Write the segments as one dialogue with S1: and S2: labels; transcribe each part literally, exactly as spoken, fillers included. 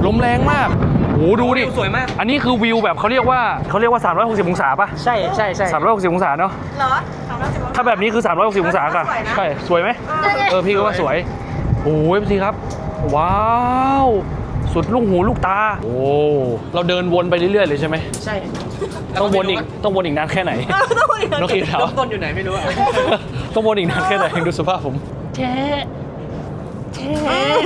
S1: ลมแรงมากโอ้ดูดิ
S2: สวยมาก
S1: อันนี้คือวิวแบบเขาเรียกว่าเขาเรียกว่าสามร้อยหกสิบองศาป่ะ
S2: ใช่ใช่ใช่
S1: สามร้อยหกสิบองศาเนาะ
S3: เหรอสามร้อยสิบ
S1: ถ้าแบบนี้คือสามร้อยหกสิบองศาค่ะใช่สวยไหมเออพี่ก็ว่าสวยโอ้ยพี่ครับว้าวสุดลูกหูลูกตาโอ้เราเดินวนไปเรื่อยๆเลยใช่ไหม
S2: ใช่
S1: ต้องวนอีกต้องวนอีกนานแค่ไหนน้องคิดถาม
S2: ต้นอยู่ไหนไม่รู้อะ
S1: ต้องวนอีกนานแค่ไหนดูสภาพผม
S3: เช่เช่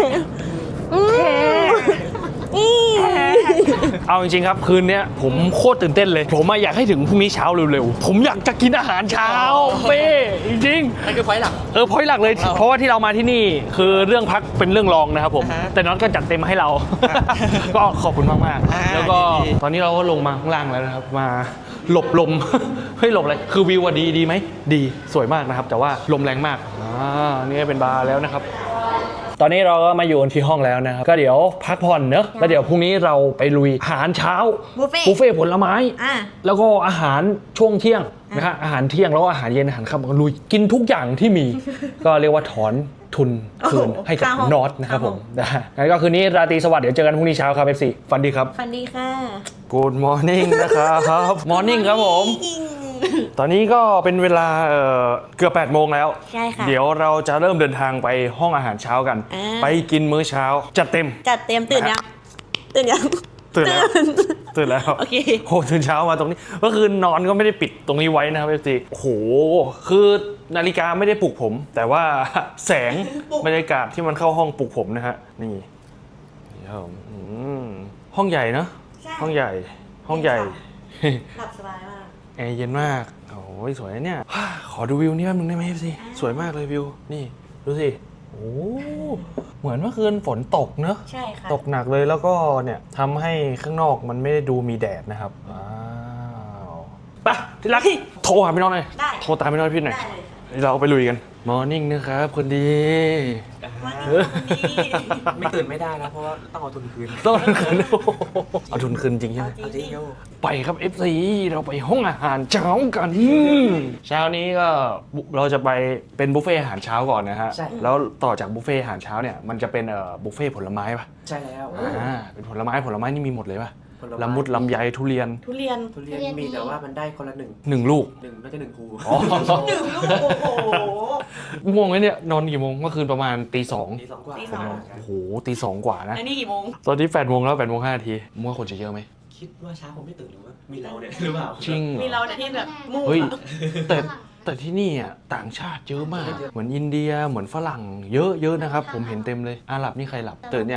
S1: เอาจริงๆครับคืนนี้ผมโคตรตื่นเต้นเลยผมอยากให้ถึงพรุ่งนี้เช้าเร็วๆผมอยากจะกินอาหารเช้าเป้จริง
S2: ๆนั่นคือไฟหลัก
S1: เออพอยหลักเลยเพราะว่าที่เรามาที่นี่คือเรื่องพักเป็นเรื่องรองนะครับผมแต่น็อตก็จัดเต็มมาให้เราก็ขอบคุณมากๆแล้วก็ตอนนี้เราก็ลงมาข้างล่างแล้วนะครับมาหลบลมเฮ้ยหลบอะไรคือวิวดีดีไหมดีสวยมากนะครับแต่ว่าลมแรงมากอ่านี่เป็นบาร์แล้วนะครับตอนนี้เราก็มาอยู่ที่ห้องแล้วนะครับก็เดี๋ยวพักผ่อนเนอะแล้วเดี๋ยวพรุ่งนี้เราไปลุยอาหารเช้า
S3: บุฟเฟ่
S1: บุฟเฟ่ผลไม้
S3: อ่า
S1: แล้วก็อาหารช่วงเที่ยงนะฮะอาหารเที่ยงแล้วก็อาหารเย็นอาหารค่ำก็ลุยกินทุกอย่างที่มี ก็เรียกว่าถอนทุนคืนให้กับน็อตนะครับผมนะฮะงั้นก็คืนนี้ราตรีสวัสดิ์เดี๋ยวเจอกันพรุ่งนี้เช้าครับเอฟซีฝันดีครับ
S3: ฝันดีค่ะ
S1: Good morning นะครับ Morning ครับผมตอนนี้ก็เป็นเวลาเอ่อเกือบแปดโมงแล้ว
S3: ใช่ค่ะ
S1: เดี๋ยวเราจะเริ่มเดินทางไปห้องอาหารเช้ากันไปกินมื้อเช้าจัดเต็ม
S3: จัดเต็มตื่นยังตื่นยัง
S1: ตื่นแล้วตื่นแล้ว
S3: โอเค
S1: โหตื่นเช้ามาตรงนี้ก็คือนอนก็ไม่ได้ปิดตรงนี้ไว้นะครับพี่ตีโอ้โหคือนาฬิกาไม่ได้ปลุกผม แต่ว่าแสงบรรยากาศที่มันเข้าห้องปลุกผมนะฮะนี่ห้องใหญ่เนาะห้องใหญ่ห้องใหญ่
S3: หลับสบายมาก
S1: แอร์เย็นมากโอ้ยสวยเนี่ยขอดูวิวนี่แป๊บนึงได้ไหมพี่สวยมากเลยวิวนี่ดูสิโอ้เหมือนเมื่อคืนฝนตกเนอะ
S3: ใช่ค่ะ
S1: ตกหนักเลยแล้วก็เนี่ยทำให้ข้างนอกมันไม่ได้ดูมีแดดนะครับว้าวไปที่รักโทรหาพี่น้องหน่อยโทรตามพี่น้องพี่หน่อยเราไปลุยกันมอร์นิ่งนะครับคนดี
S2: ไม่ตื่นไม่ได้นะเพราะว่าต้องเอาทุนคืน
S1: ต้องเอาทุนคืนเอาทุนคืนจริงใช่ไหม
S2: เอาจริง
S1: ไปครับ เอฟ ซี เราไปห้องอาหารเช้ากันเช้านี้ก็เราจะไปเป็นบุฟเฟ่อาหารเช้าก่อนนะฮะแล้วต่อจากบุฟเฟ่อาหารเช้าเนี่ยมันจะเป็นเอ่อบุฟเฟ่ผลไม้ป่ะ
S2: ใช่แล้ว
S1: อ่าเป็นผลไม้ผลไมนี่มีหมดเลยป่ะละมุดลำไยทุเรียน
S3: ทุเรียน
S2: ทุเรียนมีแต่ว่ามันได้คนละหนึ่ง
S1: หนึ่งลูก
S2: หนึ่งน่าจะหนึ่งภู
S3: หนึ่งลูกโอ้โห
S1: ง่วงไหมเนี่ยนอนกี่โมงเมื่อคืนประมาณตีสอง
S2: ตีสองกว่า
S1: โอ้โหตีสองกว่านะ
S3: อันนี้กี่โมง
S1: ตอนนี้แปดโมงแล้วแปดโมงห้านาทีมั่วคนจะเยอะไหม
S2: คิดว่าเช้าผมไม่ตื่นหรือว่ามีเราเนี่ยหรือเปล่า
S1: จริง
S3: มีเราเนี่ยที่แบบมู่
S1: เฮ้ยแต่แต่ที่นี่อ่ะต่างชาติเยอะมากเหมือนอินเดียเหมือนฝรั่งเยอะเยอะนะครับผมเห็นเต็มเลยอาหรับนี่ใครหลับตื่นเนี่ย